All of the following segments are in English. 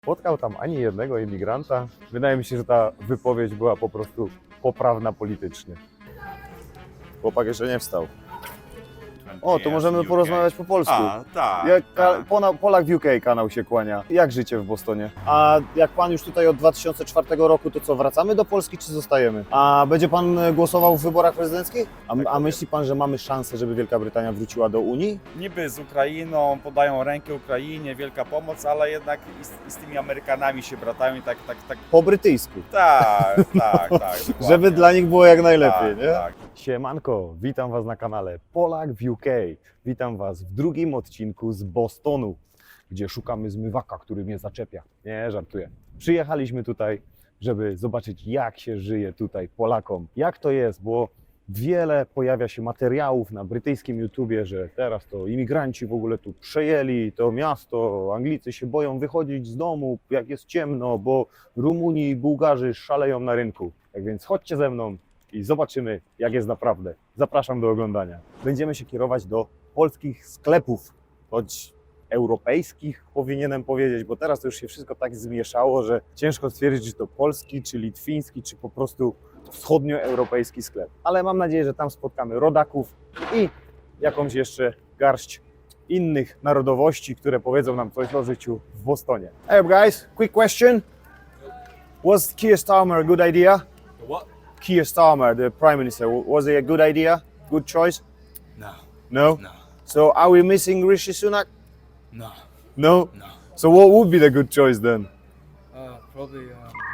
spotkał tam ani jednego imigranta. Wydaje mi się, że ta wypowiedź była po prostu poprawna politycznie. Chłopak jeszcze nie wstał. O, to możemy porozmawiać po polsku. A, tak. Jak tak. Polak w UK kanał się kłania. Jak życie w Bostonie? A jak pan już tutaj od 2004 roku, to co, wracamy do Polski czy zostajemy? A będzie pan głosował w wyborach prezydenckich? A myśli pan, że mamy szansę, żeby Wielka Brytania wróciła do Unii? Niby z Ukrainą, podają rękę Ukrainie, wielka pomoc, ale jednak i z tymi Amerykanami się bratają i tak. Po brytyjsku. Tak. Żeby dla nich było jak najlepiej, tak, nie? Tak. Siemanko, witam Was na kanale Polak w UK. Witam Was w drugim odcinku z Bostonu, gdzie szukamy zmywaka, który mnie zaczepia. Nie, żartuję. Przyjechaliśmy tutaj, żeby zobaczyć, jak się żyje tutaj Polakom. Jak to jest, bo wiele pojawia się materiałów na brytyjskim YouTubie, że teraz to imigranci w ogóle tu przejęli to miasto, Anglicy się boją wychodzić z domu, jak jest ciemno, bo Rumuni i Bułgarzy szaleją na rynku. Tak więc chodźcie ze mną i zobaczymy, jak jest naprawdę. Zapraszam do oglądania. Będziemy się kierować do polskich sklepów, choć europejskich powinienem powiedzieć, bo teraz to już się wszystko tak zmieszało, że ciężko stwierdzić, czy to polski, czy litwiński, czy po prostu wschodnioeuropejski sklep. Ale mam nadzieję, że tam spotkamy rodaków i jakąś jeszcze garść innych narodowości, które powiedzą nam coś o życiu w Bostonie. Hey guys, quick question. Was Keir Starmer a good idea? The what? Keir Starmer, the Prime Minister, was it a good idea? Good choice? No. No? No. So are we missing Rishi Sunak? No. No? No. So what would be the good choice then? Probably.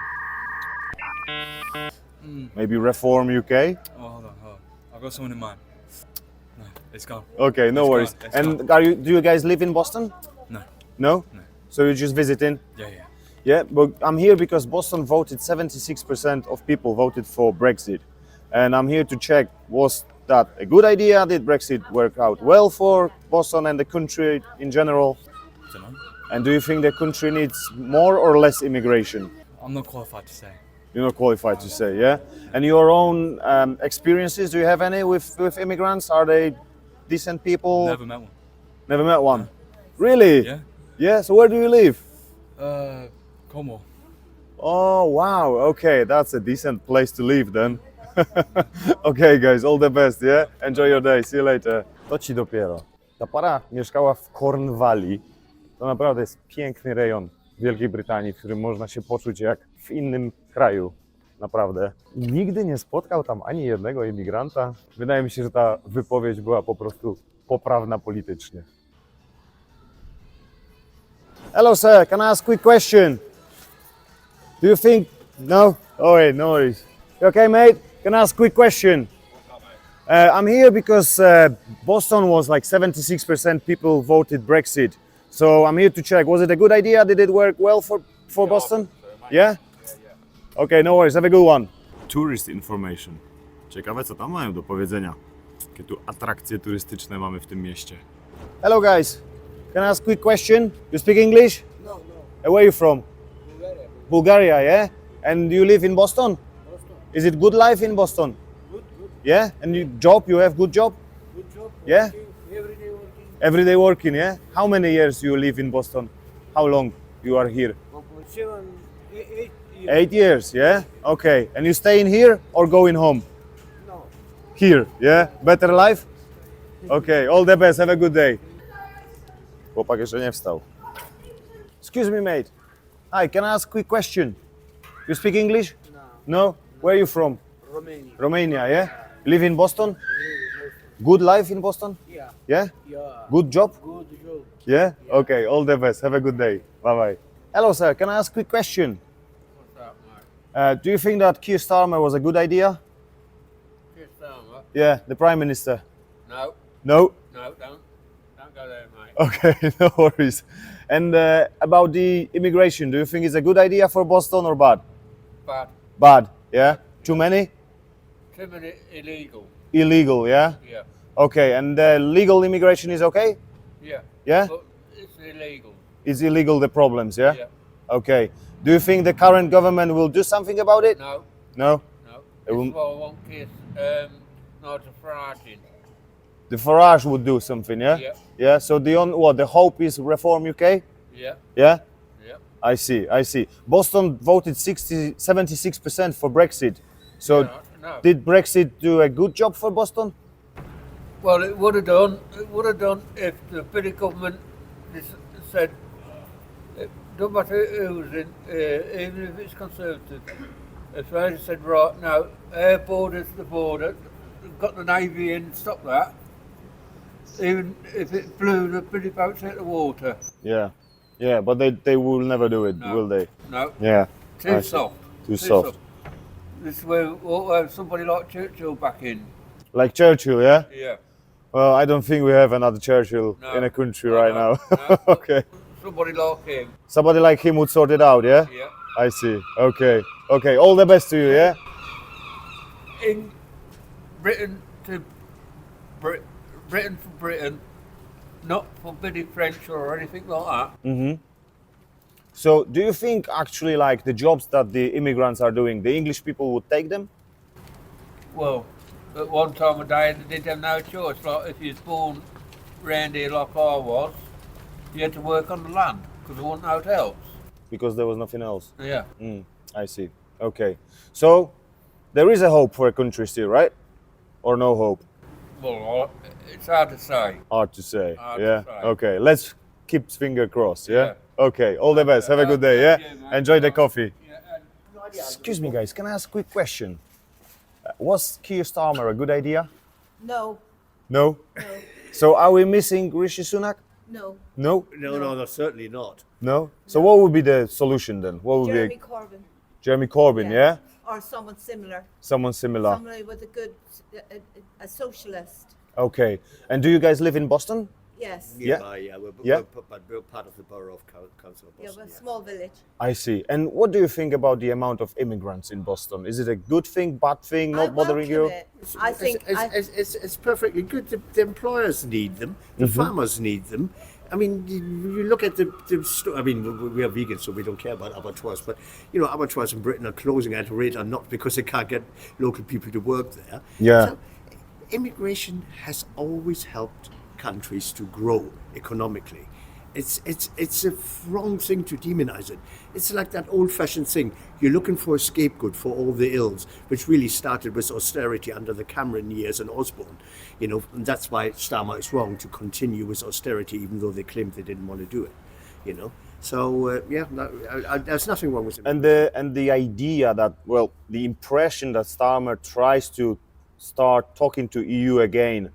Maybe reform UK? Hold on. I've got someone in mind. No, it's gone. Okay, no It's worries. gone, it's And gone. do you guys live in Boston? No. No? No. So you're just visiting? Yeah. Yeah, but I'm here because Boston voted, 76% of people voted for Brexit. And I'm here to check, was that a good idea? Did Brexit work out well for Boston and the country in general? Don't know. And do you think the country needs more or less immigration? I'm not qualified to say. You're not qualified to say, yeah? And your own experiences, do you have any with immigrants? Are they decent people? Never met one. Never met one? Really? Yeah. Yeah, so where do you live? Cornwall. Oh, wow, okay, that's a decent place to live then. Okay guys, all the best, yeah? Enjoy your day, see you later. To ci dopiero. Ta para mieszkała w Cornwalli. To naprawdę jest piękny rejon Wielkiej Brytanii, w którym można się poczuć jak w innym kraju. Naprawdę. Nigdy nie spotkał tam ani jednego imigranta. Wydaje mi się, że ta wypowiedź była po prostu poprawna politycznie. Hello sir, can I ask a quick question? Do you think... No? Oh wait, no worries. You okay mate? Can I ask a quick question? I'm here because Boston was like 76% people voted Brexit. So I'm here to check, was it a good idea? Did it work well for Boston? Yeah? Okay, no worries, have a good one. Tourist information. Ciekawe, co tam mają do powiedzenia. Jakie tu atrakcje turystyczne mamy w tym mieście. Hello guys, can I ask a quick question? You speak English? No. Where are you from? Bulgaria. Bulgaria, yeah? And you live in Boston? Boston. Is it good life in Boston? Good. Yeah? And you have good job? Good job. Yeah? Working, every day working. Every day working, yeah? How many years you live in Boston? How long you are here? 8 years. 8 years, yeah? Okay. And you staying here or going home? No. Here, yeah? Better life? Okay, all the best, have a good day. Chłopak jeszcze nie wstał. Excuse me, mate. Hi, can I ask a quick question? You speak English? No. No? Where are you from? Romania. Romania, yeah? Live in Boston? Good life in Boston? Yeah. Yeah? Yeah. Good job? Good job. Yeah? Okay, all the best. Have a good day. Bye-bye. Hello, sir. Can I ask a quick question? What's up, Mark? Do you think that Keir Starmer was a good idea? Chris Starmer? Yeah, the Prime Minister. No. No? No, don't go there, mate. Okay, no worries. And about the immigration, do you think it's a good idea for Boston or bad? But Bad, yeah? Too many? too many illegal. Illegal, yeah? Yeah. Okay, and legal immigration is okay? Yeah. Yeah? But it's illegal. Is illegal the problems, yeah? Yeah. Okay. Do you think the current government will do something about it? No. No? No. It will- That's why I want Chris, Nigel Farage in. The Farage would do something, yeah? Yeah. Yeah, so the hope is Reform UK? Yeah. Yeah? Yeah. I see, I see. Boston voted 76% for Brexit. So No. did Brexit do a good job for Boston? Well, it would have done. It would have done if the British government said, no matter who's in, even if it's Conservative, if they had said, right now, air border's the border, got the Navy in, stop that. Even if it blew the British boats out of the water. Yeah, yeah, but they will never do it, No. will they? No, Yeah, I too see. soft. Too soft. This is where we'll have somebody like Churchill back in. Like Churchill, yeah? Yeah. Well, I don't think we have another Churchill No. in a country No, right no, now. no. Okay. Somebody like him. Somebody like him would sort it out, yeah? Yeah. I see. Okay. Okay. All the best to you, yeah? In Britain to Britain for Britain, not for British French or anything like that. So, do you think actually like the jobs that the immigrants are doing, the English people would take them? Well, at one time of day they didn't have no choice. Like if you was born round here like I was, you had to work on the land because there wasn't hotels. Because there was nothing else. Yeah. I see. Okay. So, there is a hope for a country still, right? Or no hope? Well, it's hard to say. Hard to say. Hard to yeah. say. Okay. Let's keep finger crossed. Yeah. Yeah. Okay. All the best. Have a good day. Yeah. Thank you, mate. Enjoy the coffee. Yeah, Excuse me, guys. Can I ask a quick question? Was Keir Starmer a good idea? No, No. no, So are we missing Rishi Sunak? no. No. No, certainly not. No. So what would be the solution then? What would Jeremy be Corbyn. Jeremy Corbyn? Yeah. Or someone similar. Someone similar. Somebody with a good, a socialist. Okay. And do you guys live in Boston? Yes. Yeah. We're part of the borough of Council of Yeah, Boston. well, small village. I see. And what do you think about the amount of immigrants in Boston? Is it a good thing, bad thing, not I bothering you? welcome it. I think. It's perfectly good. The employers need them. The farmers need them. I mean, you look at I mean, we are vegans, so we don't care about abattoirs. But you know, abattoirs in Britain are closing at a rate, and not because they can't get local people to work there. Yeah. So, immigration has always helped countries to grow economically. It's a wrong thing to demonize it. It's like that old-fashioned thing. You're looking for a scapegoat for all the ills, which really started with austerity under the Cameron years and Osborne. You know, and that's why Starmer is wrong to continue with austerity, even though they claimed they didn't want to do it. You know, so there's nothing wrong with it. And the idea that, well, the impression that Starmer tries to start talking to EU again.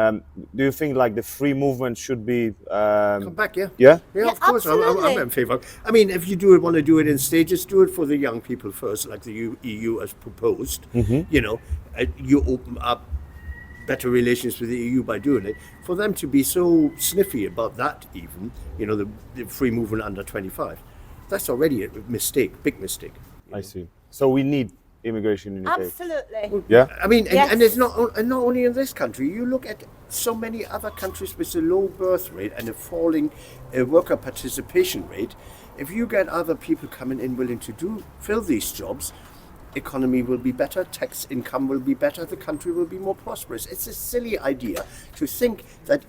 Do you think like the free movement should be? Come back, yeah. Yeah. Yeah, Yeah, of course. I'm absolutely. in favour. I mean, if you want to do it in stages, do it for the young people first, like the EU has proposed. You know, you open up better relations with the EU by doing it. For them to be so sniffy about that, even, you know, the free movement under 25, that's already a mistake, big mistake. I see. So we need immigration in UK. Absolutely. Yeah. I mean, Yes. and it's not only in this country. You look at so many other countries with a low birth rate and a falling worker participation rate. If you get other people coming in willing to fill these jobs, economy will be better, tax income will be better, the country will be more prosperous. It's a silly idea to think that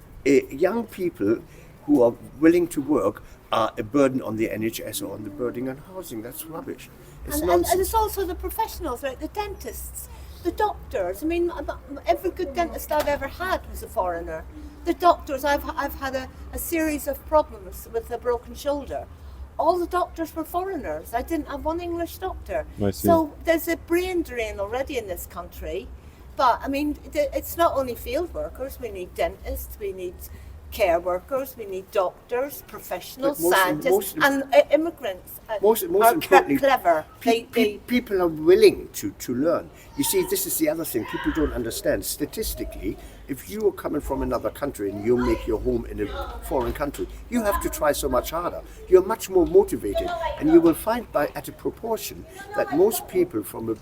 young people who are willing to work are a burden on the NHS or on the burden on housing. That's rubbish. It's And nonsense. it's also the professionals, like the dentists, the doctors. I mean, every good dentist I've ever had was a foreigner. The doctors, I've had a series of problems with a broken shoulder. All the doctors were foreigners. I didn't have one English doctor. I see. So there's a brain drain already in this country. But I mean, it's not only field workers. We need dentists. We need care workers. We need doctors, professionals, But scientists, and immigrants. Most are importantly, clever. People are willing to learn. You see, this is the other thing people don't understand. Statistically, if you are coming from another country and you make your home in a foreign country, you have to try so much harder. You're much more motivated, and you will find at a proportion that most people from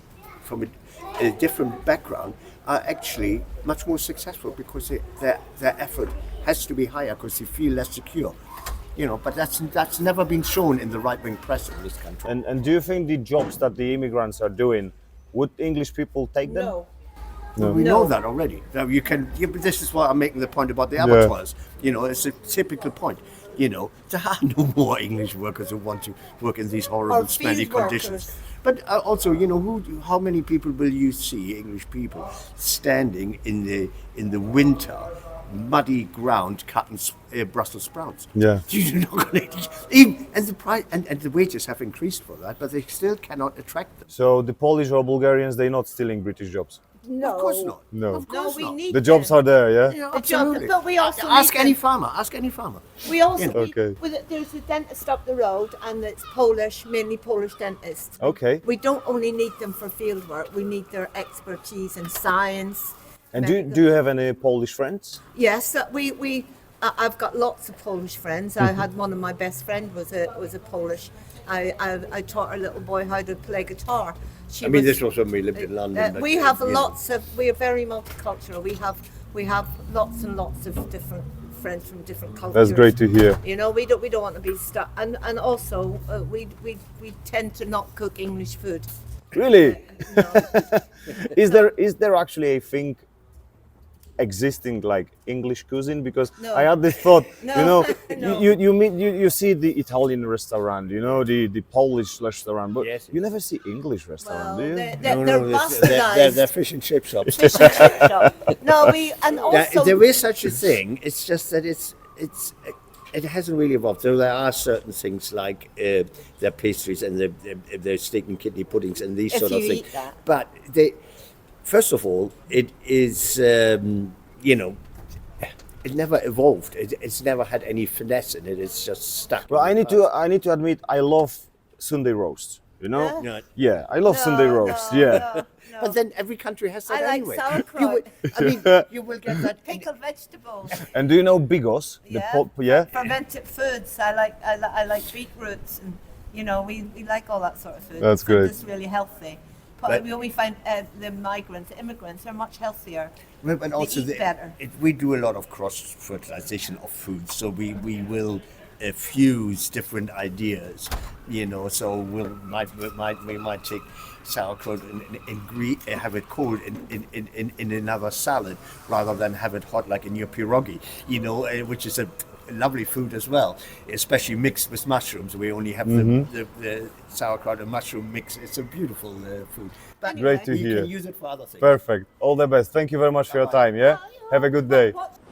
a different background are actually much more successful because their effort has to be higher because they feel less secure. You know, but that's never been shown in the right-wing press in this country. And do you think the jobs that the immigrants are doing, would English people take them? No. We No. know that already. Now you can. Yeah, but this is why I'm making the point about the abattoirs. You know, it's a typical point. You know, there are no more English workers who want to work in these horrible, Or smelly field conditions. workers. But also, you know, how many people will you see, English people, standing in the winter, muddy ground, cutting Brussels sprouts? Yeah. You're not gonna, even, and the price and the wages have increased for that, but they still cannot attract them. So the Polish or Bulgarians, they're not stealing British jobs. No. Of course not. No. Of No, course we not. need The jobs them. are there, yeah? Yeah, The jobs, absolutely. but we also ask need any them. farmer. Ask any farmer. We also Okay. there's a dentist up the road, and it's Polish, mainly Polish dentists. Okay. We don't only need them for field work; we need their expertise in science. And medical- do you have any Polish friends? Yes, I've got lots of Polish friends. I had one of my best friend was a Polish. I taught our little boy how to play guitar. She I mean, this was when we lived in London. but, we have you know. lots of. We are very multicultural. We have lots and lots of different friends from different cultures. That's great to hear. You know, we don't want to be stuck. And also, we tend to not cook English food. Really? No. Is there actually a thing existing like English cuisine? Because No. I had this thought, No, you know, no. you see the Italian restaurant, you know, the Polish restaurant, but Yes. you never see English restaurant, Well, do you? they're bastardized. They're fish and chip shops. Fish and chip shop. No, and also There is such a thing. It's just that it hasn't really evolved. So there are certain things like their pastries and their steak and kidney puddings and these If sort of you things. eat that. But first of all, it is you know, it never evolved. It's never had any finesse in it. It's just stuck. Well, in the I need to admit, I love Sunday roast. You know? Yeah. past. Yeah, I love Sunday roast. Yeah. no. But then every country has that I like anyway. sauerkraut. You will, I mean, you will get that. in- Pickled vegetables. And do you know bigos? Yeah. Yeah. Fermented foods. I like beetroots, and you know we like all that sort of food. That's It's great. It's really healthy. But But- we find the migrants, the immigrants, are much healthier. Well, but also eat better. we do a lot of cross fertilization of food, so we will fuse different ideas, you know. So we might take sauerkraut and have it cold in another salad rather than have it hot like in your pierogi, you know, which is a lovely food as well, especially mixed with mushrooms. We only have the sauerkraut and mushroom mix. It's a beautiful food. But Great to you hear. can use it for other things. Perfect. All the best. Thank you very much for your time, yeah? Have a good day.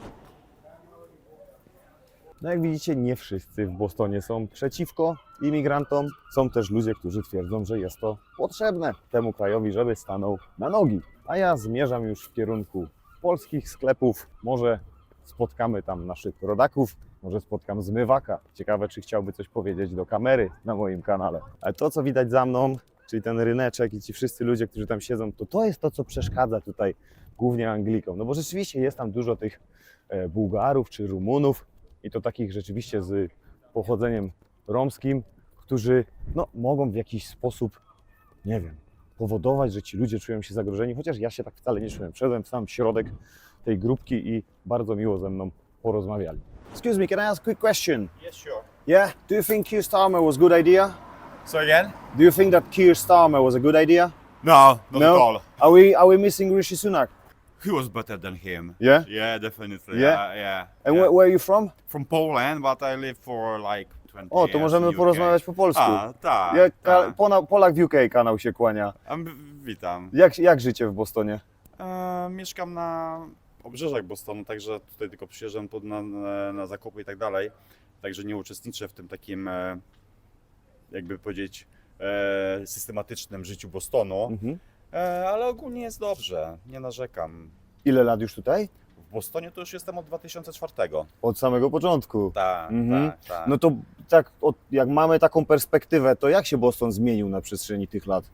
No jak widzicie, nie wszyscy w Bostonie są przeciwko imigrantom. Są też ludzie, którzy twierdzą, że jest to potrzebne temu krajowi, żeby stanął na nogi. A ja zmierzam już w kierunku polskich sklepów. Może spotkamy tam naszych rodaków, może spotkam zmywaka. Ciekawe, czy chciałby coś powiedzieć do kamery na moim kanale. Ale to, co widać za mną, czyli ten ryneczek i ci wszyscy ludzie, którzy tam siedzą, to jest to, co przeszkadza tutaj głównie Anglikom. No bo rzeczywiście jest tam dużo tych Bułgarów czy Rumunów i to takich rzeczywiście z pochodzeniem romskim, którzy no, mogą w jakiś sposób, nie wiem, powodować, że ci ludzie czują się zagrożeni, chociaż ja się tak wcale nie czułem. Wszedłem w sam środek tej grupki i bardzo miło ze mną porozmawiali. Excuse me, can I ask a quick question? Yes, sure. Yeah, do you think Keir Starmer was a good idea? So again? Do you think that Keir Starmer was a good idea? No, not at all. Are we missing Rishi Sunak? He was better than him. Yeah? Yeah, definitely. Yeah? yeah. And yeah. where are you from? From Poland, but I live for like 20 O, to years możemy in UK. porozmawiać po polsku. Tak, Ja, tak. Polak w UK kanał się kłania. Witam. Jak życie w Bostonie? Mieszkam na obrzeżach Bostonu, także tutaj tylko przyjeżdżam na zakupy i tak dalej. Także nie uczestniczę w tym takim, jakby powiedzieć, systematycznym życiu Bostonu. Mhm. Ale ogólnie jest dobrze, nie narzekam. Ile lat już tutaj? W Bostonie to już jestem od 2004. Od samego początku. Tak, Mhm. tak. No to tak, jak mamy taką perspektywę, to jak się Boston zmienił na przestrzeni tych lat?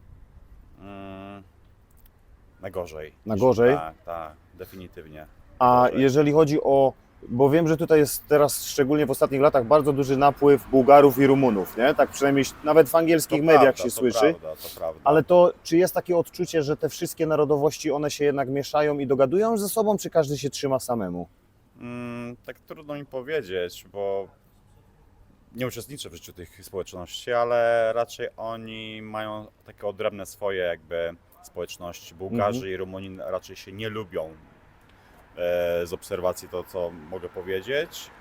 Na gorzej. Na gorzej? Tak, definitywnie. A Gorzej. jeżeli chodzi o, bo wiem, że tutaj jest teraz, szczególnie w ostatnich latach, bardzo duży napływ Bułgarów i Rumunów, nie? Tak przynajmniej nawet w angielskich mediach się słyszy. To prawda. Ale to, czy jest takie odczucie, że te wszystkie narodowości, one się jednak mieszają i dogadują ze sobą, czy każdy się trzyma samemu? Tak trudno mi powiedzieć, bo nie uczestniczę w życiu tych społeczności, ale raczej oni mają takie odrębne swoje jakby społeczności. Bułgarzy i Rumuni raczej się nie lubią. Z obserwacji to, co mogę powiedzieć.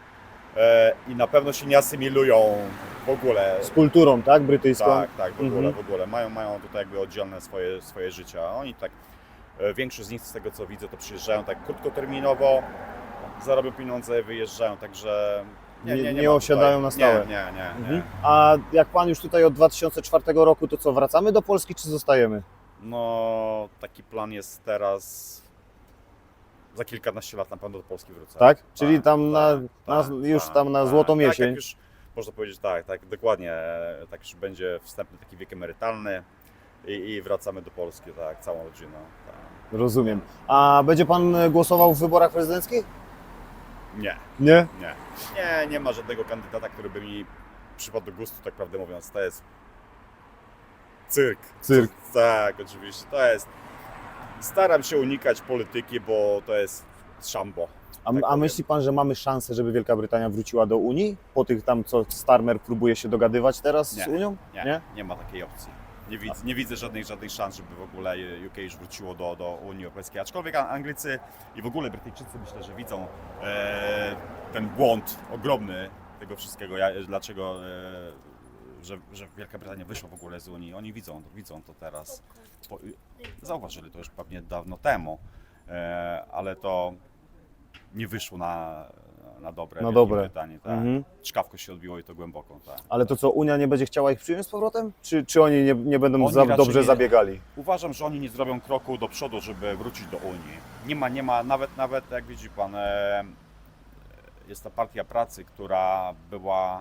i na pewno się nie asymilują w ogóle. Z kulturą, tak? Brytyjską? Tak, w ogóle. Mają tutaj jakby oddzielne swoje życia. Oni tak, większość z nich z tego co widzę, to przyjeżdżają tak krótkoterminowo, zarobią pieniądze, wyjeżdżają, także Nie ma osiadają na stałe. Nie. A jak pan już tutaj od 2004 roku, to co, wracamy do Polski czy zostajemy? No, taki plan jest teraz. Za kilkanaście lat na pewno do Polski wrócę. Tak? Czyli tam tam na złotą Tak, jesień. jak już można powiedzieć tak, dokładnie. Tak już będzie wstępny taki wiek emerytalny i wracamy do Polski, tak, całą rodziną. Tak. Rozumiem. A będzie pan głosował w wyborach prezydenckich? Nie, Nie? nie ma żadnego kandydata, który by mi przypadł do gustu, tak prawdę mówiąc. To jest cyrk. Cyrk. Tak, oczywiście. To jest. Staram się unikać polityki, bo to jest szambo. A powiem. myśli pan, że mamy szansę, żeby Wielka Brytania wróciła do Unii? Po tych tam, co Starmer próbuje się dogadywać teraz z Unią? Nie ma takiej opcji. Nie widzę żadnych szans, żeby w ogóle UK już wróciło do Unii Europejskiej. Aczkolwiek Anglicy i w ogóle Brytyjczycy myślę, że widzą ten błąd ogromny tego wszystkiego, dlaczego że Wielka Brytania wyszła w ogóle z Unii. Oni widzą to teraz. Zauważyli to już pewnie dawno temu, ale to nie wyszło na dobre. Na Wielkiej dobre. Brytanii, tak. Mhm. Czkawko się odbiło i to głęboko. Tak. Ale to co, Unia nie będzie chciała ich przyjąć z powrotem? Czy oni nie będą Oni raczej dobrze nie. zabiegali? Uważam, że oni nie zrobią kroku do przodu, żeby wrócić do Unii. Nie ma, nawet jak widzi pan, jest ta partia pracy, która była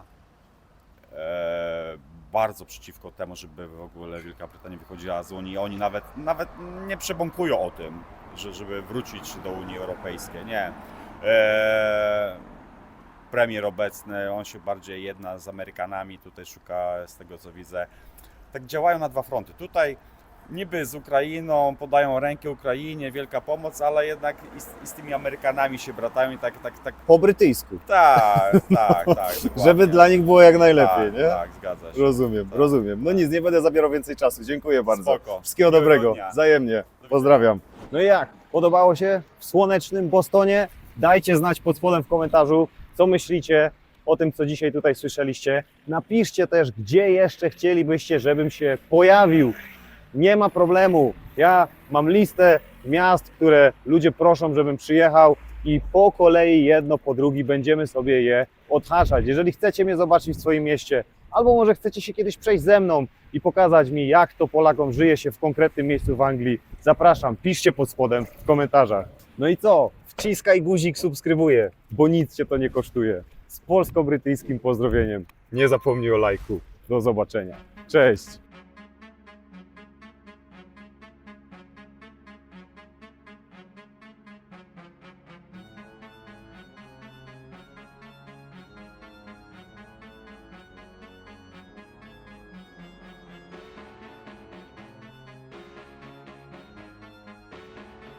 bardzo przeciwko temu, żeby w ogóle Wielka Brytania wychodziła z Unii. Oni nawet nie przebąkują o tym, żeby wrócić do Unii Europejskiej. Nie. Premier obecny, on się bardziej jedna z Amerykanami, tutaj szuka, z tego co widzę. Tak działają na dwa fronty. Tutaj niby z Ukrainą, podają rękę Ukrainie, wielka pomoc, ale jednak i z tymi Amerykanami się bratają i tak. Po brytyjsku. Tak, dokładnie. Żeby dla nich było jak najlepiej, tak, nie? Tak, zgadza się. Rozumiem, Tak. rozumiem. No nic, nie będę zabierał więcej czasu. Dziękuję bardzo. Spoko. Wszystkiego Miłego dobrego. dnia. Wzajemnie. Pozdrawiam. No i jak? Podobało się w słonecznym Bostonie? Dajcie znać pod spodem w komentarzu, co myślicie o tym, co dzisiaj tutaj słyszeliście. Napiszcie też, gdzie jeszcze chcielibyście, żebym się pojawił. Nie ma problemu. Ja mam listę miast, które ludzie proszą, żebym przyjechał i po kolei jedno po drugi będziemy sobie je odhaczać. Jeżeli chcecie mnie zobaczyć w swoim mieście, albo może chcecie się kiedyś przejść ze mną i pokazać mi, jak to Polakom żyje się w konkretnym miejscu w Anglii, zapraszam, piszcie pod spodem w komentarzach. No i co? Wciskaj guzik, subskrybuję, bo nic Cię to nie kosztuje. Z polsko-brytyjskim pozdrowieniem. Nie zapomnij o lajku. Do zobaczenia. Cześć!